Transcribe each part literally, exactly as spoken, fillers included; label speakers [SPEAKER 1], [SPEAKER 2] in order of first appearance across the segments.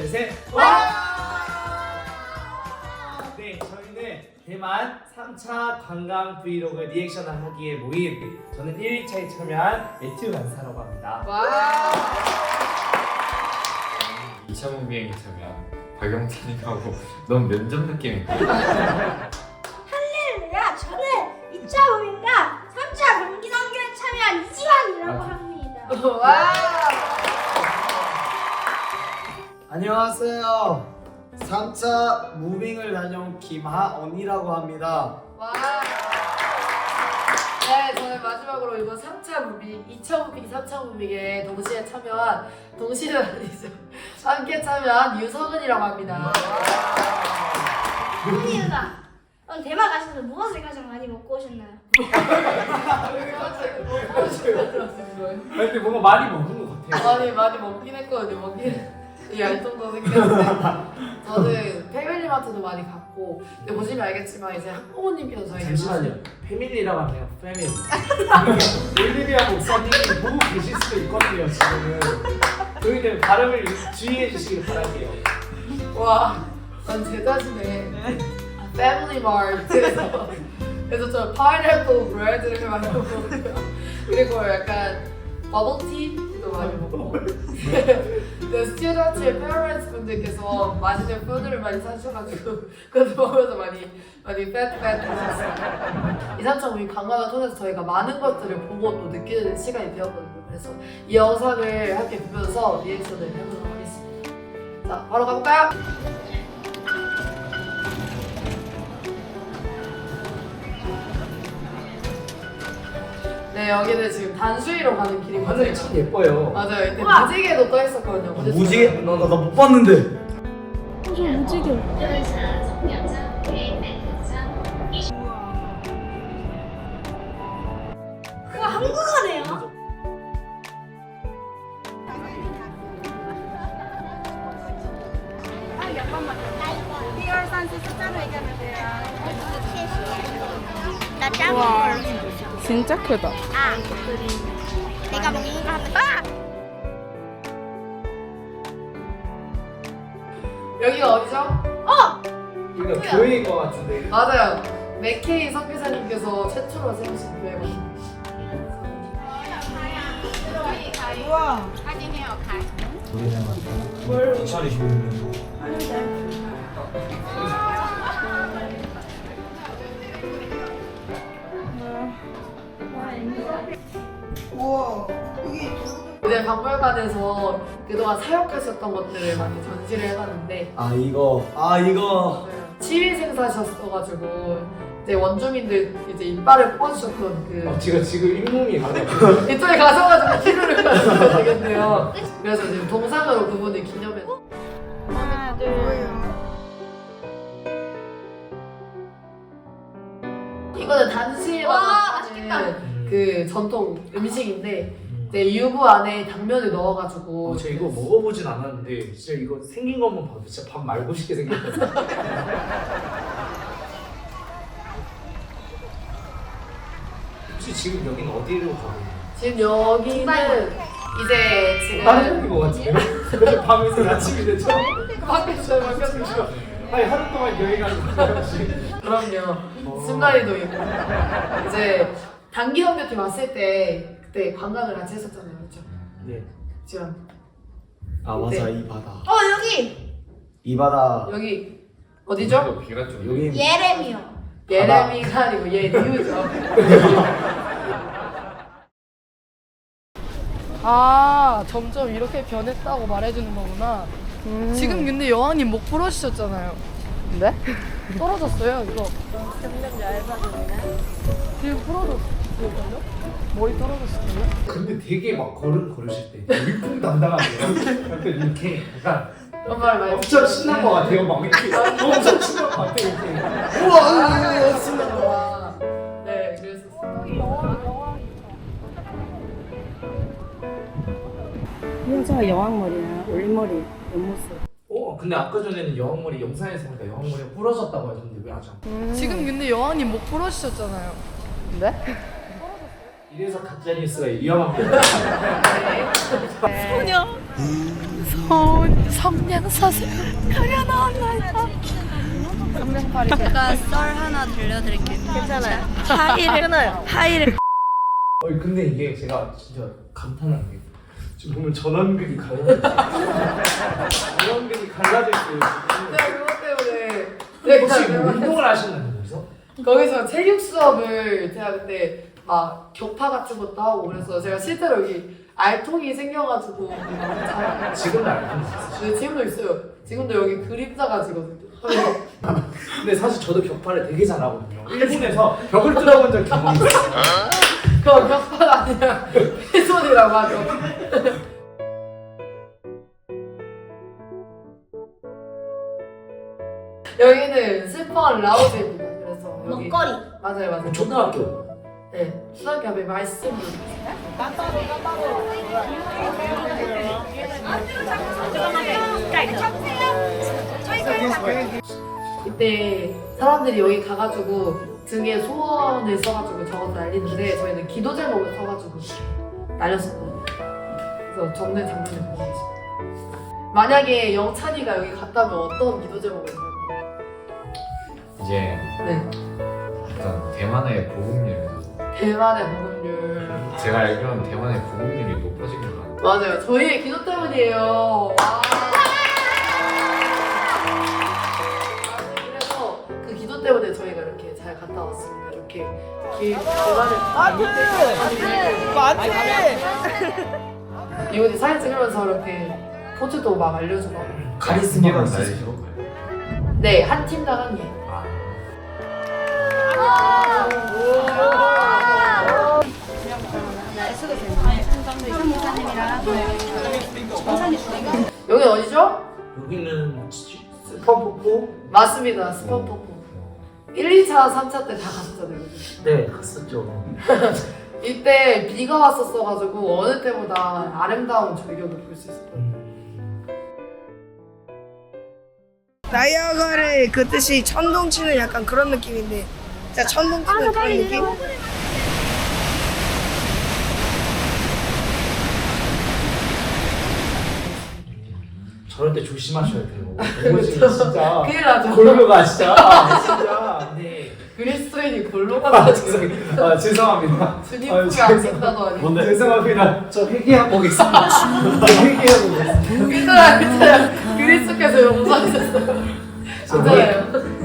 [SPEAKER 1] 셋. 와! 네, 저희는 대만 삼 차 관광 브이로그 리액션을 하기에 모인 저는 일 일차에 참여한 매튜 간사라고 합니다.
[SPEAKER 2] 와.
[SPEAKER 3] 이 차 무비행에 참여한 박영찬이라고 너무 면접 느낌인데.
[SPEAKER 4] 할렐루야! 저는 이 차 모임과 삼 차 경기단계에 참여한 이지환이라고 합니다.
[SPEAKER 2] 와.
[SPEAKER 5] 안녕하세요. 삼 차 무빙을 다녀온 김하언이라고 합니다.
[SPEAKER 2] 와. 네, 저는 마지막으로 이번 삼 차 무빙, 이 차 무빙, 삼 차 무빙에 동시에 참여한, 동시는 아니죠. 함께 참여한 유성은이라고 합니다.
[SPEAKER 4] 합니다. 그럼 대만 가셔서 무엇을 가장 많이 먹고 오셨나요?
[SPEAKER 1] 근데 뭔가 많이 먹은 것 같아요.
[SPEAKER 2] 많이 많이 먹긴 했거든요. 먹긴 이 알통도 생겼는데 저는 패밀리마트도 많이 갔고, 근데 보시면 알겠지만 이제 학부모님께서 저희
[SPEAKER 1] 잠시만요. 패밀리라고 하네요. 패밀리. 올리비아 목사님이 보고 계실 수도 있거든요. 지금은. 저희는 발음을 주의해 주시길 바랄게요.
[SPEAKER 2] 와, 난 제 자신의 패밀리 마트에서 그래서 저 파인애플 브레드를 많이 먹고요. 그리고 약간 버블티도 많이 먹고. 네, 스튜던트의 페어런스 분들께서 맛있는 푸드를 많이 사주셔가지고 그것도 먹으면서 많이 많이 팻팻 하셨어요. 이삼차 우리 관광을 통해서 저희가 많은 것들을 보고 또 느끼는 시간이 되었거든요. 그래서 이 영상을 함께 보면서 리액션을 해보도록 하겠습니다. 자, 바로 가볼까요? 네, 여기는 지금 단수위로 가는 길이거든요.
[SPEAKER 1] 하늘이 참 예뻐요.
[SPEAKER 2] 맞아요. 이때
[SPEAKER 4] 우와!
[SPEAKER 2] 무지개도 떠 있었거든요. 어제
[SPEAKER 5] 무지개?
[SPEAKER 2] 저녁에.
[SPEAKER 5] 나 나 못 봤는데.
[SPEAKER 4] 그거 한국어네요.
[SPEAKER 6] 와, 진짜 크다.
[SPEAKER 4] 아, 내가 먹는 거 하면 아!
[SPEAKER 2] 여기가 어디죠?
[SPEAKER 4] 어!
[SPEAKER 1] 이거 교회인 것 같은데.
[SPEAKER 2] 맞아요. 맥케이 선교사님께서 최초로 세우신 교회거든요. 이제 박물관에서 그동안 사역하셨던 것들을 많이 전시를 해봤는데
[SPEAKER 5] 아 이거 아 이거
[SPEAKER 2] 치위 생사셨어가지고 이제 원주민들 이제 이빨을 뽑아주셨던 그
[SPEAKER 1] 어, 지금 지금 잇몸이 가네요.
[SPEAKER 2] 이쪽에 가셔가지고 치료를 받으셔야 되겠네요. 그래서 지금 동상으로 그분을 기념해서
[SPEAKER 6] 하나, 둘.
[SPEAKER 2] 이거는 단시에만
[SPEAKER 4] 와,
[SPEAKER 2] 하는 그 전통 음식인데 이제 유부 안에 당면을 넣어가지고
[SPEAKER 1] 어, 저 이거 먹어보진 않았는데 진짜 이거 생긴 것만 봐도 진짜 밥 말고 싶게 생겼거든요. 혹시 지금 여기는 어디로 가고 있나요?
[SPEAKER 2] 지금 여기는 이제 지금
[SPEAKER 1] 다른 데인 것 같은데요? 그래서 밤에서 아침이 되죠?
[SPEAKER 2] 밖에서 바뀌었어요.
[SPEAKER 1] 아니 하루 동안 여행 가는 거예요 혹시?
[SPEAKER 2] 그럼요. 순간이도 있고 이제 단기 선교팀 왔을 때 그때 관광을 같이 했었잖아요, 그렇죠?
[SPEAKER 1] 네.
[SPEAKER 2] 지금
[SPEAKER 5] 아 맞아 이 바다.
[SPEAKER 4] 어, 여기!
[SPEAKER 5] 이 바다
[SPEAKER 2] 여기 어디죠?
[SPEAKER 3] 비가 좀
[SPEAKER 5] 여기
[SPEAKER 4] 예레미요.
[SPEAKER 2] 예레미가 아니고 얘 뉴죠. 아, 점점 이렇게 변했다고 말해주는 거구나. 지금 근데 여왕님 목 부러지셨잖아요.
[SPEAKER 6] 네?
[SPEAKER 2] 떨어졌어요, 이거. 점점 얇아졌네. 지금 부러졌어요? 머리 떨어졌어요?
[SPEAKER 1] 근데 되게 막 걸음 걸으실 때 일품 담당하세요. 약간 이렇게 약간
[SPEAKER 2] 그런 말 많이
[SPEAKER 1] 엄청 신난 것 같아요. 막 이렇게 엄청 신난 것 같아요. 이렇게.
[SPEAKER 2] 우와, 신난다. 네, 그랬었어요.
[SPEAKER 6] 여자 여왕머리야. 올림머리 옆모습.
[SPEAKER 1] 어 근데 아까 전에는 여왕머리 영상에서 보니까 여왕머리가 부러졌다고 하셨는데 왜 아직 안 부러졌어요?
[SPEAKER 2] 지금 근데 여왕님 목 부러지셨잖아요.
[SPEAKER 6] 네?
[SPEAKER 1] 이래서 가짜 뉴스가 위험합니다.
[SPEAKER 6] 소녀. 성 성냥사슬 가려 나온다. 성냥팔이.
[SPEAKER 7] 제가 썰 하나 들려드릴게요.
[SPEAKER 6] 괜찮아요.
[SPEAKER 7] 하이를
[SPEAKER 6] 끊어요.
[SPEAKER 7] 하이를
[SPEAKER 1] 어 근데 이게 제가 진짜 감탄한 게 지금 보면 전원근이 갈라져 전원근이 갈라져 있어요 지금.
[SPEAKER 2] 제가 그것 때문에 네,
[SPEAKER 1] 혹시
[SPEAKER 2] 제가
[SPEAKER 1] 뭐 운동을 하셨나요 거기서?
[SPEAKER 2] 거기서 체육 수업을 제가 그때 막 격파 같은 것도 하고 그래서 제가 실제로 여기 알통이 생겨가지고 잘
[SPEAKER 1] 지금은 알고 있어요.
[SPEAKER 2] 네, 지금도 있어요. 지금도 여기 그림자가 지거든요.
[SPEAKER 1] 근데 사실 저도 격파를 되게 잘하거든요. 일본에서 벽을 뚫어본 적 경험이 있어요.
[SPEAKER 2] 그거 격파가 아니라 훼손이라고 하죠. 여기는 슬퍼한 라오즈입니다. 그래서 여기
[SPEAKER 4] 먹거리.
[SPEAKER 2] 맞아요, 맞아요.
[SPEAKER 1] 초등학교.
[SPEAKER 2] 네, 초등학교 앞에 말씀드리겠습니다. 이때 사람들이 여기 가가지고 등에 소원을 써가지고 적어서 날리는데 저희는 기도 제목을 써가지고 날렸었거든요. 그래서 적는 장면을 보고 계십니다. 만약에 영찬이가 여기 갔다면 어떤 기도 제목을 써요?
[SPEAKER 3] 이제
[SPEAKER 2] 네,
[SPEAKER 3] 일단 대만의 보급률
[SPEAKER 2] 대만의 복음률.
[SPEAKER 3] 제가 알기로는 대만의 보급률이 높아진 것 같아요.
[SPEAKER 2] 맞아요. 저희의 기도 때문이에요. 와. 그래서 그 기도 때문에 저희가 이렇게 잘 갔다 왔습니다. 이렇게 길 대만의
[SPEAKER 6] 맞지?
[SPEAKER 2] 이분이 사진 찍으면서 이렇게 포즈도 막 알려주고.
[SPEAKER 5] 카리스마가
[SPEAKER 3] 날
[SPEAKER 5] 있으시죠?
[SPEAKER 3] 죠
[SPEAKER 2] 네, 한 팀당 한 개. 여기 어디죠?
[SPEAKER 1] 여기는 스펀포포?
[SPEAKER 2] 맞습니다. 스펀포포. 일, 이 차, 삼 차 때 다 갔었잖아요.
[SPEAKER 1] 네 갔었죠.
[SPEAKER 2] 이때 비가 왔었어가지고 어느 때보다 아름다운 절경을 볼 수 있었어요.
[SPEAKER 8] 나이아가라의 그 뜻이 천둥 치는 약간 그런 느낌인데 진짜 천둥 치는 그런 느낌?
[SPEAKER 1] 저럴 때 조심하셔야 돼요. 이거 지금 진짜
[SPEAKER 2] 큰일 나죠.
[SPEAKER 1] 골로가 진짜 아, 진짜. 네.
[SPEAKER 2] 그리스도인이 골로가
[SPEAKER 1] 아,
[SPEAKER 2] 나죠.
[SPEAKER 1] 죄송, 아 죄송합니다.
[SPEAKER 2] 주님
[SPEAKER 1] 아유,
[SPEAKER 2] 품에 안 된다더니.
[SPEAKER 1] 뭔데? 죄송합니다. 저 회개하고 오겠습니다. 저 회개하고 오겠습니다.
[SPEAKER 2] 괜찮아요, 괜찮아요. 그리스도께서 용서하셨어요. 괜찮아요.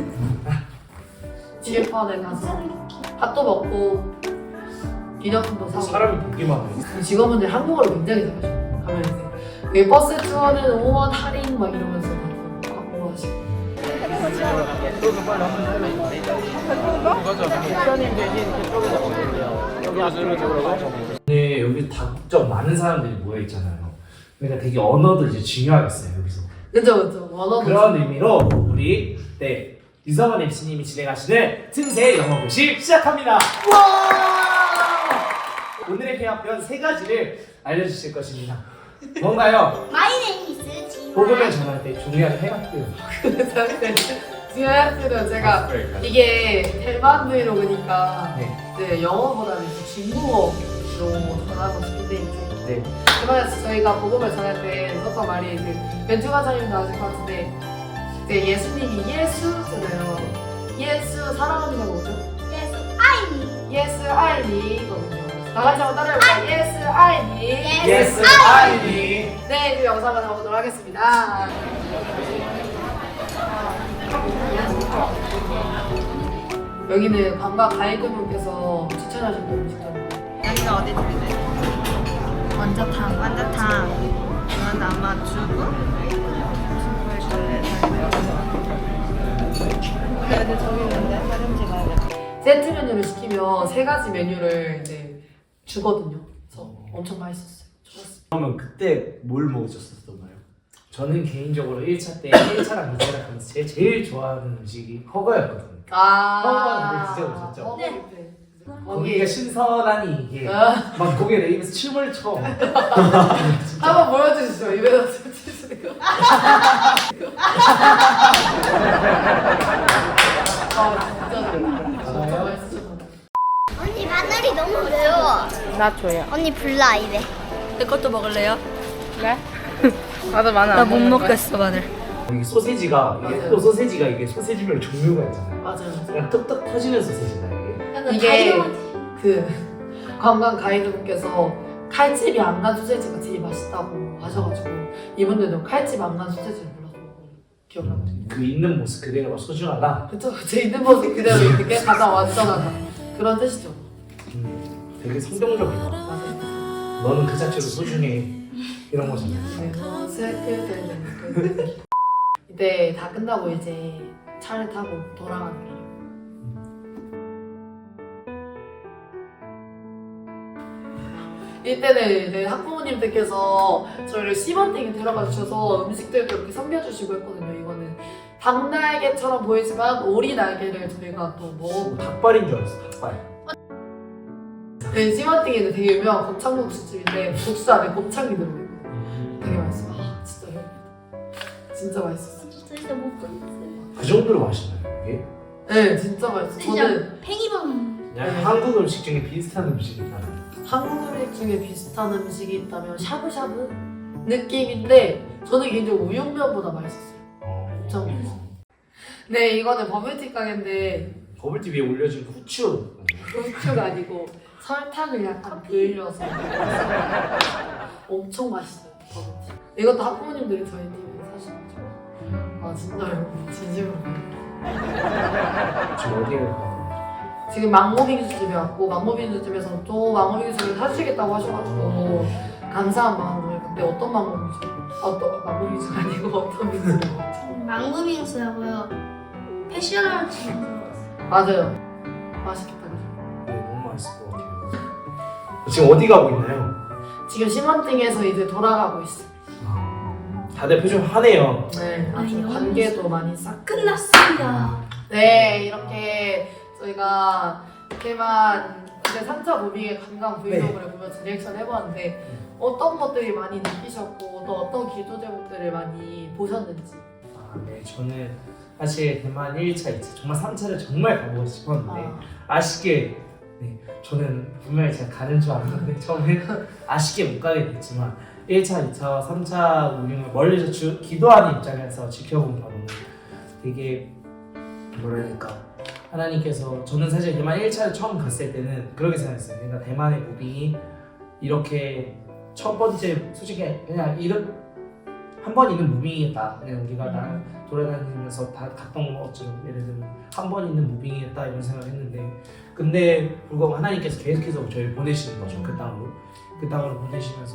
[SPEAKER 2] 지게판에 가서 밥도 먹고 기념품도 사고.
[SPEAKER 1] 사람이 보기만 해요.
[SPEAKER 2] 직원분들 한국어를 굉장히 잘하셔요. 가면 이제 그 버스 투어는 오 원 할인 막 이러면서 광고 하시고.
[SPEAKER 1] 네, 여기 다국적 많은 사람들이 모여 있잖아요. 그러니까 되게 언어도 이제 중요하겠어요 여기서.
[SPEAKER 2] 그죠, 그죠. 원어도
[SPEAKER 1] 그런 의미로 우리 네 유성원 엠씨님이 진행하시는 틈새 영어 교실 시작합니다. 오늘의 회화편 세 가지를 알려주실 것입니다. 뭔가요?
[SPEAKER 4] My name is 지마.
[SPEAKER 1] 복음을 전할 때 중요한 회화표.
[SPEAKER 2] 지하철은 제가 이게 대만 브이로그니까
[SPEAKER 1] 네.
[SPEAKER 2] 이제 영어보다는 이제 중국어로 전하고 싶은데 이제
[SPEAKER 1] 네.
[SPEAKER 2] 대만에서 저희가 복음을 전할 때 썼던 말이 그 벤투 과장님도 아실 것 같은데 이제 예수님이 예수잖아요. 예수 사랑합니다가 뭐죠?
[SPEAKER 4] Yes, I need.
[SPEAKER 2] 예수 아이니거든요. 다 같이 한번 따라해볼까요? 예수 아이니.
[SPEAKER 1] Yes, I need.
[SPEAKER 2] 네, 그 영상을 가보도록 하겠습니다. 여기는 관광 가이드분께서 추천하신 음식점.
[SPEAKER 7] 여기가 어디 들리세요? 완자탕. 완자탕. 이건 아마 두부? 그래도 저기 있는데 화장실 가야겠다.
[SPEAKER 2] 세트 메뉴를 시키면 세 가지 메뉴를 이제 주거든요. 그래서 엄청 맛있었어요. 좋았어요.
[SPEAKER 5] 그러면 그때 뭘 먹으셨었나요?
[SPEAKER 1] 저는 개인적으로 일 차 때 일 차랑 이 차랑 하면서 제일, 제일 좋아하는 음식이 허거였거든요.
[SPEAKER 2] 아,
[SPEAKER 1] 허거 드셔보셨죠?
[SPEAKER 2] 허거
[SPEAKER 4] 네.
[SPEAKER 2] 뷔페.
[SPEAKER 1] 거기가 신선하니 이게
[SPEAKER 2] 아.
[SPEAKER 1] 막 거기에 내 입에서 춤을 춰.
[SPEAKER 2] 한번 보여주시죠. 입에다 뱉으시는 거. 아, 진짜 진짜 맛있었어요.
[SPEAKER 4] 언니 마늘이 너무 매워.
[SPEAKER 6] 나 줘요.
[SPEAKER 4] 언니 불나 입에.
[SPEAKER 7] 내 것도 먹을래요?
[SPEAKER 6] 그래?
[SPEAKER 7] 맞아 마늘
[SPEAKER 8] 나 못 먹겠어 마늘.
[SPEAKER 5] 이게 소세지가 이게
[SPEAKER 2] 맞아요.
[SPEAKER 5] 또 소세지가 이게 소세지별 종류가 있잖아요.
[SPEAKER 2] 맞아요.
[SPEAKER 5] 그냥 뚝뚝 터지는 소세지다 이게.
[SPEAKER 4] 약간
[SPEAKER 2] 이게
[SPEAKER 4] 다이어트.
[SPEAKER 2] 그 관광 가이드분께서 칼집이 안 간 소세지가 되게 맛있다고 하셔가지고 이분들도 칼집 안 간 소세지를 골라서 기억나요.
[SPEAKER 5] 그 있는 모습 그대로가 소중하다.
[SPEAKER 2] 그쵸? 제 있는 모습 그대로 있는 게 가장 완전하다 그런 뜻이죠.
[SPEAKER 5] 음, 되게 성경적이다.
[SPEAKER 2] 맞아요.
[SPEAKER 5] 너는 그 자체로 소중해. 이런 거잖아요.
[SPEAKER 2] 네, 슬프게 이때 다 끝나고 이제 차를 타고 돌아가는 길이에요. 이때는 이제 학부모님들께서 저희를 시범탱에 데려가 주셔서 음식들도 이렇게 섬겨주시고 했거든요. 이거는 닭날개처럼 보이지만 오리 날개를 저희가 또 먹어.
[SPEAKER 5] 닭발인 줄 알았어. 닭발.
[SPEAKER 2] 네, 시범탱이는 되게 유명한 곱창국수집인데 국수 안에 곱창이 들어있고 되게 맛있어요. 아, 진짜 배고프다. 진짜 맛있었어요.
[SPEAKER 4] 진짜 못 보겠어요.
[SPEAKER 5] 그 정도로 맛있나요 이게?
[SPEAKER 2] 네, 진짜 맛있어요.
[SPEAKER 4] 진짜
[SPEAKER 2] 저는
[SPEAKER 4] 팽이버섯.
[SPEAKER 5] 그냥
[SPEAKER 2] 네.
[SPEAKER 5] 한국 음식 중에 비슷한 음식이 있나요?
[SPEAKER 2] 한국 음식 중에 비슷한 음식이 있다면 샤브샤브 느낌인데 저는 개인적으로 우육면보다 맛있었어요. 엄청 맛있어요. 네, 이거는 버블티 가게인데
[SPEAKER 5] 버블티 위에 올려진 그 후추.
[SPEAKER 2] 후추가 아니고 설탕을 약간 불려서 엄청 맛있어요. 버블티. 이것도 학부모님들이 저희 팀에 사시는 거죠. 아 진짜요? 진심으로.
[SPEAKER 5] 지금 어디에 가?
[SPEAKER 2] 지금 망고빙수 집에 왔고 망고빙수 집에서 또 망고빙수를 사주시겠다고 하셔가지고 감사한 마음으로 근데 어떤 망고빙수? 어떤 망고빙수가 아니고 어떤 빙수를 먹었지?
[SPEAKER 4] 망고빙수하고요. 패션아트
[SPEAKER 2] 맞아요. 맛있겠다 그죠?
[SPEAKER 5] 네, 너무 맛있을 것 같아요. 지금 어디 가고 있나요?
[SPEAKER 2] 지금 심원팅에서 이제 돌아가고 있어.
[SPEAKER 5] 다들 표정 환해요.
[SPEAKER 2] 네, 아주
[SPEAKER 4] 아니요.
[SPEAKER 2] 관계도 많이 쌓고.
[SPEAKER 4] 끝났습니다.
[SPEAKER 2] 네, 이렇게 저희가 대만 이제 삼 차 무빙의 관광 브이로그를 보면서 리액션 해보았는데 어떤 것들이 많이 느끼셨고 또 어떤 기도 제목들을 많이 보셨는지.
[SPEAKER 5] 아, 네, 저는 사실 대만 일 차, 이 차 정말 삼 차를 정말 가보고 싶었는데
[SPEAKER 2] 아,
[SPEAKER 5] 아쉽게 네, 저는 분명히 제가 가는 줄 알았는데 처음에 아쉽게 못 가게 됐지만 일 차, 이 차와 삼 차 무빙을 멀리서 주, 기도하는 입장에서 지켜본 바로는 되게 뭐랄까 하나님께서 저는 사실 대만 일 차를 처음 갔을 때는 그렇게 생각했어요. 그러니까 대만의 무빙이 이렇게 첫 번째 솔직히 그냥 이런 한 번 있는 무빙이겠다. 그냥 우리가 나 돌아다니면서 다 갔던 것처럼 예를 들면 한 번 있는 무빙이겠다 이런 생각했는데 근데 불구하고 하나님께서 계속해서 저희를 보내시는 거죠. 그 땅으로 그 땅으로 보내시면서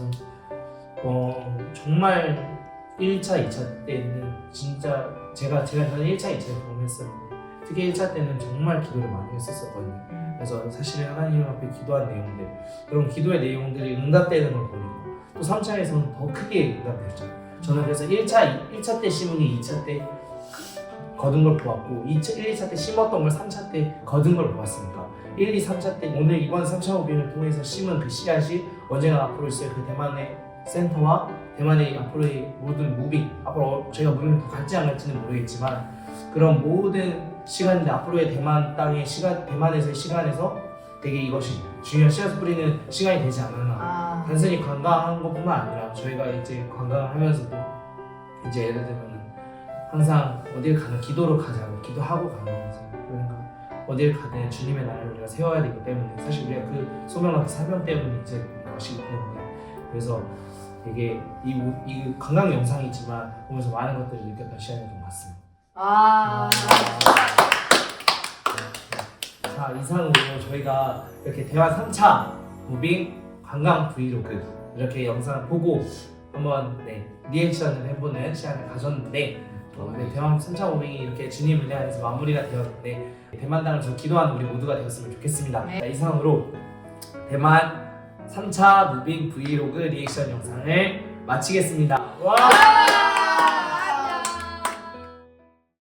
[SPEAKER 5] 어 정말 일 차, 이 차 때는 진짜 제가 제가 저는 일 차, 이 차를 경험했었는데 특히 일 차 때는 정말 기도를 많이 했었거든요. 그래서 사실 하나님 앞에 기도한 내용들 그런 기도의 내용들이 응답되는 걸 보니까 또 삼 차에서는 더 크게 응답됐죠. 저는 그래서 일 차, 일 차 때 심은 게 이 차 때 거둔 걸 보았고 이 차, 일, 이 차 때 심었던 걸 삼 차 때 거둔 걸 보았으니까 일, 이, 삼 차 때 오늘 이번 삼 차 무빙을 통해서 심은 그 씨앗이 언젠가 앞으로 있을 그 대만의 센터와 대만의 앞으로의 모든 무빙 앞으로 저희가 무빙을 더 갈지 안 갈지는 모르겠지만 그런 모든 시간인데 앞으로의 대만 땅의 시간 대만에서의 시간에서 되게 이것이 중요한 씨앗을 뿌리는 시간이 되지 않았나.
[SPEAKER 2] 아,
[SPEAKER 5] 단순히 관광한 것뿐만 아니라 저희가 이제 관광을 하면서도 이제 예를 들면 항상 어딜 가는 기도로 가자고 기도하고 가는 거죠. 그러니까 어딜 가든 주님의 나라를 우리가 세워야 되기 때문에 사실 우리가 그 소명과 사명 때문에 이제 것이기 때문에 그래서 되게 이, 이 관광 영상이지만 보면서 많은 것들을 느꼈던 시간이었던 것 같습니다.
[SPEAKER 2] 아,
[SPEAKER 5] 자 이상으로 저희가 이렇게 대만 삼 차 무빙 관광 브이로그 이렇게 영상을 보고 한번 네, 리액션을 해보는 시간을 가졌는데 어, 네, 대만 삼 차 무빙이 이렇게 주님을 향해서 마무리가 되었는데 대만 땅을 서 기도하는 우리 모두가 되었으면 좋겠습니다.
[SPEAKER 2] 네.
[SPEAKER 5] 자, 이상으로 대만 삼 차 무빙 브이로그 리액션 영상을 마치겠습니다. 와!